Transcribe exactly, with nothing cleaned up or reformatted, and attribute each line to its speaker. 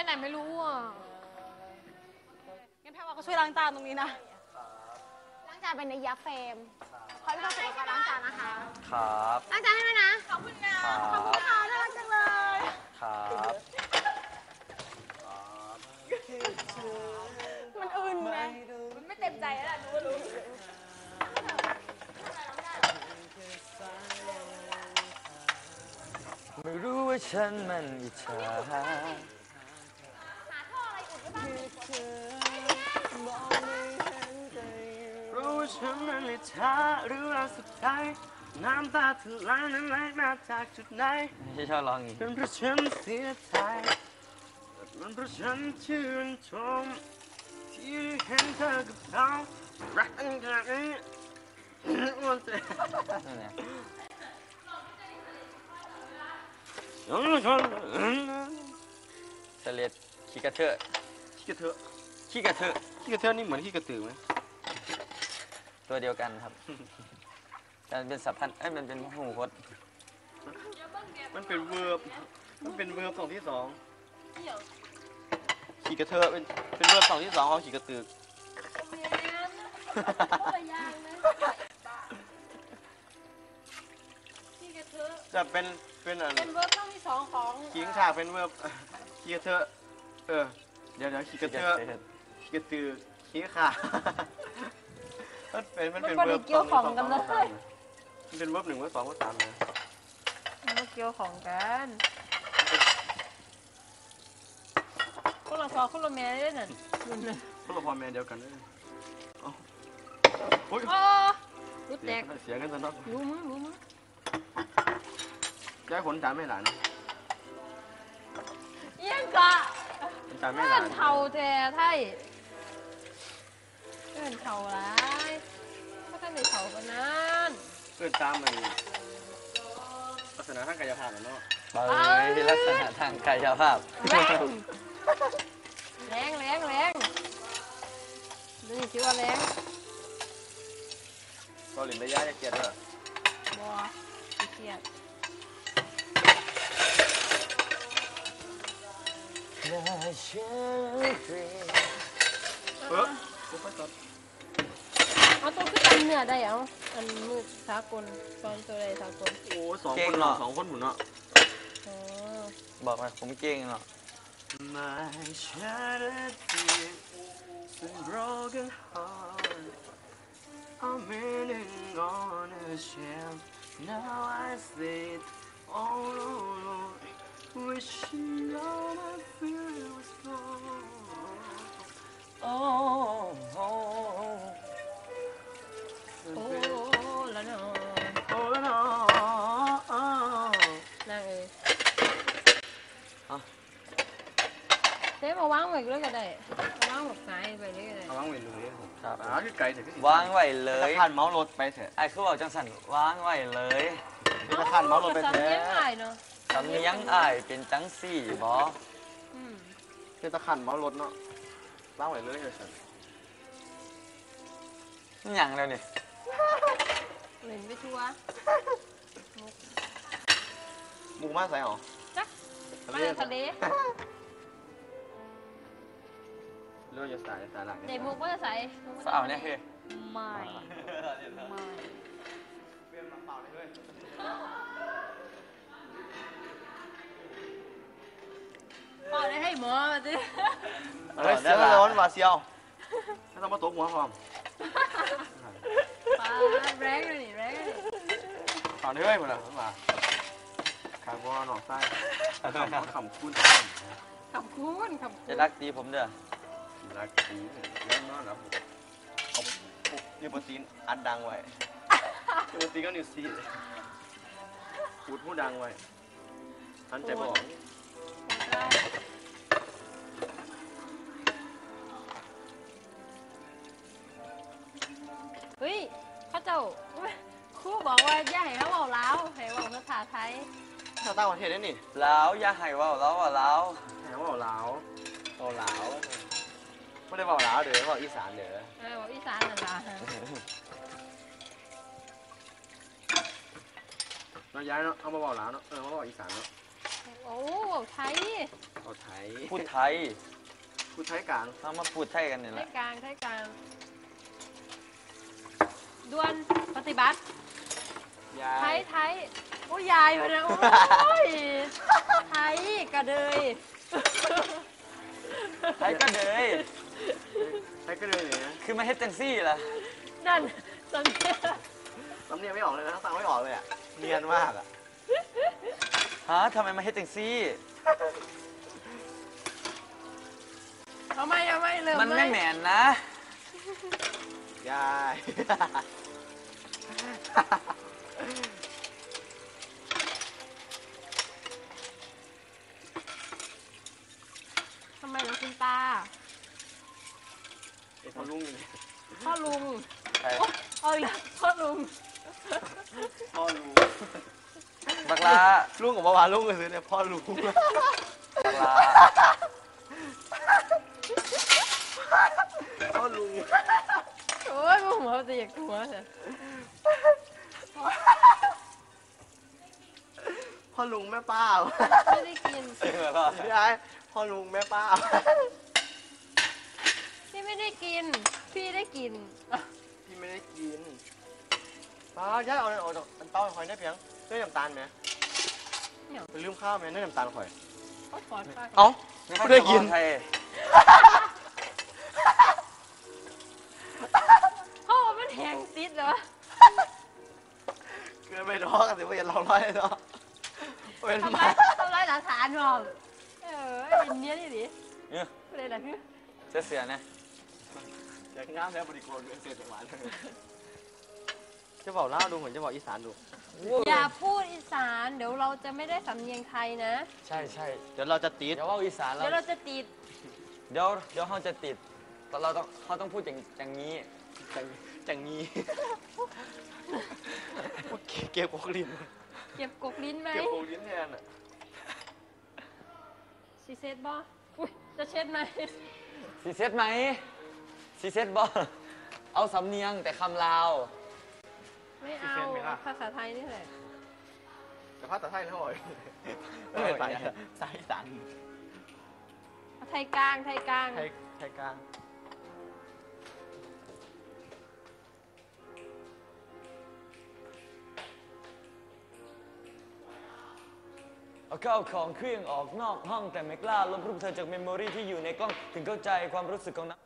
Speaker 1: ไหนไม่รู้อ่ะ
Speaker 2: งั้นแพรว่าก็ช่วยล้างจานตรงนี้นะล้างจานเป็นในยับเฟรมขอให้พี่ต้องสุขการล้างจานนะคะ
Speaker 3: ครับ
Speaker 2: ล้างจานให้ด้วยนะขอบคุณนะขอบคุณค่ะน่ารักจังเลย
Speaker 3: ครับ
Speaker 2: มันอื่นไงมันไม่เต็มใจแล้วดูรู้
Speaker 3: ไม่รู้ว่าฉันมันอิจฉา
Speaker 2: หาท่ออะไรอุดไว้บ้าง
Speaker 4: รู้ว่าฉันมันอิจฉาหรือว่าสุดท้ายน้ำตาที่ไหลนั้นไหลมาจากจุดไหน
Speaker 3: ที่ชอบร้องอย่างนี้
Speaker 4: เป็นเพราะฉันเสียใจมันเพราะฉันชื่นชมที่เห็นเธอกับเขารักกันขนาดนี้วันเสาร์
Speaker 3: นั่นแหละเสลียดขี้กระเทอะ
Speaker 4: ขี้กระเทอะ
Speaker 3: ขี้กระเทอะ
Speaker 4: ขี้กระเทอะนี่เหมือนขี้กระตือไหม
Speaker 3: ตัวเดียวกันครับแต่มันเป็นสัพพันธ์เอ้ยมันเป็นหูพจน์
Speaker 4: มันเป็นเวิร์บมันเป็นเวิร์บสองที่สองขี้กระเทอะเป็นเป็นเวิร์บสองที่สองของขี้กระตือจะเป็นเป็นอะไร
Speaker 2: เป็นเวิร์บช่องที่สองของ
Speaker 4: ขี้งฉากเป็นเวิร์บขี้กระเทอะเออเดี๋ยวเดี๋ยวขี้กระเทอะขี้กระตือขี้ขามันเป็นมันเป็นเวิร์บ
Speaker 2: เกี่ยวของกันเลย
Speaker 4: มันเป็นเวิร์บหนึ่งเวิร์บสองเวิร์บสามเลย
Speaker 2: มันเกี่ยวของกันคนละพอคนละแม่ได้นั่น
Speaker 4: คนละพอแม่เดียวกันเลยโอ้ย
Speaker 2: รู้แตก
Speaker 4: เสียกันซะนัก
Speaker 2: รู้มั้ยรู้มั้ย
Speaker 4: ย้ายขนจานไม่หลาน
Speaker 2: ยังกะ
Speaker 4: จานไม่หลาน
Speaker 2: เท่าแท้ไทยเกินเท่าไรถ้าท่านในเท่ากันนั้น
Speaker 4: เกินตามมันลักษณะทางกายภาพเนาะ
Speaker 3: เอ้ยลักษณะทางกายภาพ
Speaker 2: แรงแรงแรงนี่คิดว่าแรง
Speaker 4: ก็หลินได้ย้ายจะเกียดเหรอ
Speaker 2: บัวเกียด
Speaker 4: เออกูไปตัด
Speaker 2: เอาตัวขึ้นอันเนื้อได้เอาอันมือสากลตอนตัวใดสากล
Speaker 4: โอ้สองคนเนาะสองคนหมุนเนาะ
Speaker 3: บอกมาผมเก่งเนาะ
Speaker 4: My charity broken heart I'm meaning on a shelf now I sit all alone wishing all my fear was gone oh oh
Speaker 2: oh แล้วเนาะ
Speaker 4: oh no
Speaker 2: นั่งเอ้ยเจ๊มาวางไว้เลยก็ได้วางแบบไหนไปเลยก็ได้
Speaker 4: วางไว้เลย
Speaker 3: ครับ
Speaker 4: อ่าคือไกลเถอะ
Speaker 3: วางไว้เลย
Speaker 4: ถ้าผ่านเมาส์รถไปเถอะ
Speaker 3: ไอ้คือบอกจังสันวางไว้เลย
Speaker 4: ถ้าผ่านเมาส์รถไปเถอะ
Speaker 3: สำเนียงอ้ายเป็นจังสี่บอ
Speaker 4: คือตะขันเมารถเนาะเล่าไหวเลยเลยฉัน
Speaker 3: นี่อย่างแล้วนี่
Speaker 2: เล่นไปทัว
Speaker 4: มุกมาใส่หรอ
Speaker 2: จักมาทะเล
Speaker 4: เรื่องจะใส่ใส่หลัง
Speaker 2: เด็กมุกว่าจะใส่
Speaker 3: สาวเนี่ยคือ
Speaker 2: ไม่ไม่
Speaker 4: เปลี่ยนมาเปล่าเลย
Speaker 2: เปล่าได้ให้หมอมาสิ
Speaker 4: อะไรเสียวร้อนว่าเสียวไม่ต้องมาตกหัวหอม
Speaker 2: แรงเลยนี่แรงเลย
Speaker 4: ตอนนี้เฮ้ยมันอะไรมาขางว่าหนอกไส้ขำคุ้น
Speaker 2: ขำคุ้นขำคุ้น
Speaker 3: จะรักดีผมเด้อ
Speaker 4: รักดีเล่นมากนะผมเอานิวโปรตีนอัดดังไว้นิวโปรตีนก็นิวซีพูดพูดดังไว้ทันใจบอก
Speaker 2: เฮ้ยเขาเจ้าครูบอกว่าอย่าให้เขาบอกแล้วให้บอกภาษาไทย
Speaker 4: ภาษาต่างประเทศได้นี่
Speaker 3: แล้วอย่าให้ว่าแล้วว่าแล้ว
Speaker 4: ให้ว่าแล้วเอาแล้วไม่ได้บอกแล้วเด้อบอกอีสานเด้อ
Speaker 2: เออบอกอีสานนั่นล่ะ
Speaker 4: เราย้ายเนาะเอามาบอกแล้วเนาะเออมาบอกอีสานเนาะ
Speaker 1: โอ้ไทย
Speaker 4: เอาไทย
Speaker 3: พูดไทย
Speaker 4: พูดไทยกลาง
Speaker 3: เอามาพูดไทยกันนี่แห
Speaker 1: ไท
Speaker 3: ละ
Speaker 1: ยกลางไทยกลางด่วนปฏิบัติ
Speaker 4: ยา
Speaker 1: ไท
Speaker 4: ย
Speaker 1: ยไทยโอ้ยายมานะโอ้ยไทยกระเดย
Speaker 3: ไทยก็เดย
Speaker 4: ไทยก็เลยเนี่ย
Speaker 3: คือมาเฮ็ดจังซี่ล่ะ
Speaker 1: นั่นสำเนียง
Speaker 4: สำเนียงไม่ออกเลยนะฟังไม่ออกเลยอ่ะเนียนมากอ่ะ
Speaker 3: ฮะทำไมมาเฮ็ดจังซี่
Speaker 1: เอาไม่เอาไม่เริ่ม
Speaker 3: มัน
Speaker 1: เล
Speaker 3: ไม่
Speaker 1: ย
Speaker 3: แมนนะ
Speaker 4: ยาย
Speaker 1: ทำไมล่ะคุณตา
Speaker 4: ไอ้พ่อลุงอยู่เนี่ย
Speaker 1: พ่อลุง
Speaker 3: ใช่
Speaker 1: โอ๊ะเอาอีกแล้วพ่อลุง
Speaker 4: พ่อลุง
Speaker 3: บักลา
Speaker 4: ลุงกับเมื่อวานลุงกันเลยเนี่ยพ่อลุง
Speaker 3: บักลา
Speaker 4: พ่อลุง
Speaker 1: โอ้ยมึงหัวจะอยากหัวเถอะ
Speaker 4: พ่อลุงแม่ป้า
Speaker 1: ไม่ได้กิน
Speaker 3: จริงเหรอ
Speaker 4: พี่ไอ้พ่อลุงแม่ป้า
Speaker 1: พี่ไม่ได้กิน พี่ได้กิน
Speaker 4: พี่ไม่ได้กินป้าย่าเอาเอาเอาเต้าหอยได้เพียงเนื้อน้ำตาลไหม
Speaker 1: เนี่ย
Speaker 4: ไปลืมข้าวไหมเนื้อน้ำตาลหอย
Speaker 1: เขาสอนป้า
Speaker 4: เอ้า
Speaker 3: ไม่ค่อย
Speaker 4: ได้กิน
Speaker 3: ไทย
Speaker 1: พ่อมันแหงติดเหรอ
Speaker 4: เกินไปท้อกันสิว่าอย่าเราร้อยเนาะเป็น
Speaker 1: ทำ
Speaker 4: ห
Speaker 1: ไร
Speaker 4: มา
Speaker 1: ทำไรหลักฐานหรอกเออไอ้เนี้ยนี่ดิ
Speaker 3: เนี่ย
Speaker 1: อะไรล่ะคือ
Speaker 3: เสื้อเสือนะ
Speaker 4: อยากงามแล้วบริโภคเงินเศษหวานจะบอกเล่าดูเหมือนจะบอกอีสานดู
Speaker 1: อย่าพูดอีสานเดี๋ยวเราจะไม่ได้สำเนียงไทยนะ
Speaker 3: ใช่ใช่
Speaker 4: เดี๋ยวเราจะตีด
Speaker 3: เดี๋ยวว่าอีสานเรา
Speaker 1: เดี๋ยวเราจะติด
Speaker 3: เดี๋ยวเดี๋ยวเขาจะติดแต่เราต้องเขาต้องพูดอย่างอย่างนี้
Speaker 4: จังจังงี้เก็บกกลิ้น
Speaker 1: เก็บกกลิ้นไหม
Speaker 4: เก็บกกลิ้นแทนอ่ะ
Speaker 1: ซีเซตบออุ้ยจะเช็ดไหม
Speaker 3: สีเซ็ตไหมสีเซ็ตบอเอาสำเนียงแต่คำลาว
Speaker 1: ไม่เอาภาษาไทยนี่แหละ
Speaker 4: แต่ภาษาไทยเท่าไหร่ไม่เป็นไรสายอีสาน
Speaker 1: ไทยกลางไทยกลาง
Speaker 4: ไทยไทยกลาง
Speaker 3: เอาเข้าของเครื่องออกนอกห้องแต่ไม่กล้าลบรูปเธอจากเมมโมรีที่อยู่ในกล้องถึงเข้าใจความรู้สึกของนัก